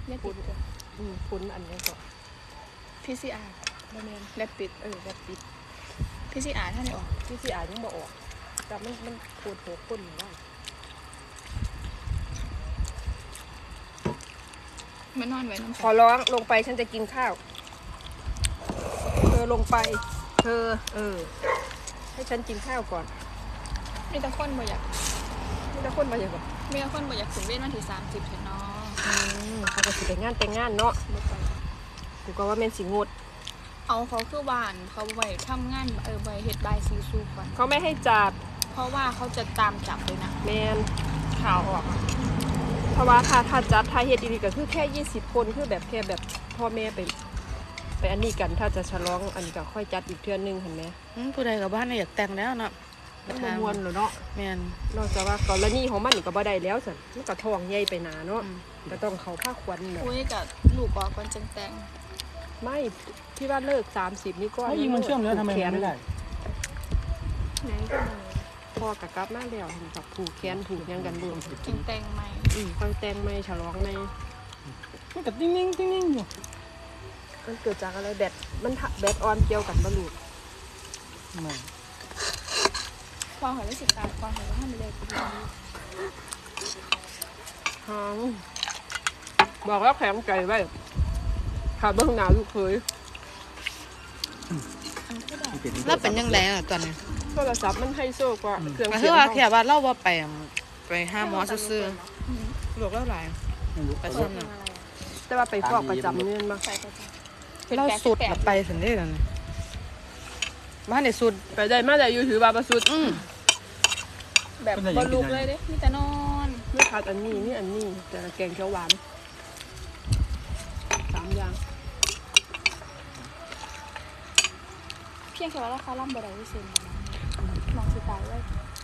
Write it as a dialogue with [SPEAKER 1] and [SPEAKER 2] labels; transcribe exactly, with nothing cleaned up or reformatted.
[SPEAKER 1] เรียกติดตัว
[SPEAKER 2] อืมพุ้นอันนี้ก่อน
[SPEAKER 1] พี ซี อาร์ บะเมนแรปปิดเออแรปปิด พี ซี อาร์ ท่านไหนออก
[SPEAKER 2] ที่ที่อ่านยังบอกออกแต่มันมันโคตรโหข้นอยู่ว่า
[SPEAKER 1] มันนอนไว้น้ำ
[SPEAKER 2] ขอร้องลงไปฉันจะกินข้าวเธอลงไปเธอเออให้ฉันกินข้าวก่อน
[SPEAKER 1] มีแต่คนบ่อยาก
[SPEAKER 2] นี่ถ้าคนมาอย่างก่อน
[SPEAKER 1] มีแต่คนบ่อยากถึงเว้นวันที่สามสิบเถอะเนาะ
[SPEAKER 2] อืมเขาก็สิแต่งงานแต่งงานเนาะ
[SPEAKER 1] บ่ไป
[SPEAKER 2] กูก็ว่าแม่นสิงด
[SPEAKER 1] เอาเขาคือบ้านเขาไว้ทำงานเออไว้เฮ็ดบายซีซูก่อน
[SPEAKER 2] เขาไม่ให้จับ
[SPEAKER 1] เพราะว่าเขาจะตามจับเลยนะ
[SPEAKER 2] แมนข่าวออกอะเพราะว่าถ้าถ้าจัดถ้าเฮ็ดดีๆก็คือแค่ยี่สิบคนคือแบบแค่แบบพ่อแม่ไปไปอันนี้กันถ้าจะฉลองอันนี้ก็ค่อยจัดอีกเทื่อนึงเห็นไหม
[SPEAKER 3] อืมผู้ใดกับบ้านน่ะอยากแต่งแล้วเนาะ
[SPEAKER 2] มันบ่มวนเหรอเนาะ
[SPEAKER 3] แม่น
[SPEAKER 2] นอกจากว่ากรณีของมันนี่ก็บ่ได้แล้วสิมันก็ท้องใหญ่ไปหนาเนาะ
[SPEAKER 3] อืม
[SPEAKER 2] ก็ต้องเขาผ้าควันแบบ
[SPEAKER 1] คุยกับลูกออกก่อนจังแต่ง
[SPEAKER 2] ไม่ที่ว่าเลิกสามสิบนี่ก็
[SPEAKER 4] ถ้ายิงมันเชื่อมแล้วทำไมมันไม่ได้
[SPEAKER 1] ไหนก็เลย
[SPEAKER 2] พ่อกับกลับมาแล้วเห็นกับผูกแขนผูกหยังกันรวม
[SPEAKER 1] จังแต่งใหม่
[SPEAKER 2] อืมค่อยแต่งไม่ฉลองไม่
[SPEAKER 4] มันก็ติ้งนิ่งติ้งนิ่งอยู่
[SPEAKER 2] มันเกิดจากอะไรแบตมันทะแบตออนเกี่ยวกันบ่ลูก
[SPEAKER 4] ไม่
[SPEAKER 1] พอหอยไม่สิตายพอหอยว่าให้มันเลยกูดี
[SPEAKER 2] ฮงบอกแล้วแข็งใจไว้ขาเบื้องหน้าลูกเคย
[SPEAKER 1] อันก็ได้
[SPEAKER 3] แล้วเป็นยังไงล่ะตอนนี้
[SPEAKER 2] โทรศัพท์มันให้โซกว่าเครื่อง
[SPEAKER 3] ก็
[SPEAKER 2] เสี
[SPEAKER 3] คื
[SPEAKER 2] ย
[SPEAKER 3] อง ว่า
[SPEAKER 2] เฮา
[SPEAKER 3] แค่ว่าเราบ่ไปไปหาหมอซื่อๆโรคแล้วหลาย
[SPEAKER 4] ไม่รู้
[SPEAKER 3] ไป
[SPEAKER 1] เพ
[SPEAKER 3] ซ่
[SPEAKER 1] ราะ
[SPEAKER 3] อม
[SPEAKER 1] เป็น
[SPEAKER 3] น่ะ
[SPEAKER 1] อะไรอ่ะ
[SPEAKER 2] แต่ว่าไปฟอกประจำเนี่ยมา
[SPEAKER 1] ใส่ประจำ
[SPEAKER 3] เราสุดน่ะไปสันเด้นั่นน่ะบ้านได้สุด
[SPEAKER 2] ไปได้มาได้อยู่ถือว่าประสุด
[SPEAKER 3] อืม
[SPEAKER 1] แบบบอลลูกเลยเด้มีแต่นอน
[SPEAKER 2] ไม่ขาดอันนี้นี่อันนี้แต่ละแกงเขียวหวานสามอย่าง
[SPEAKER 1] เพียงแค่ว่าราคาล่ำบ่ได้ที่เซ็นมองสิตายไว้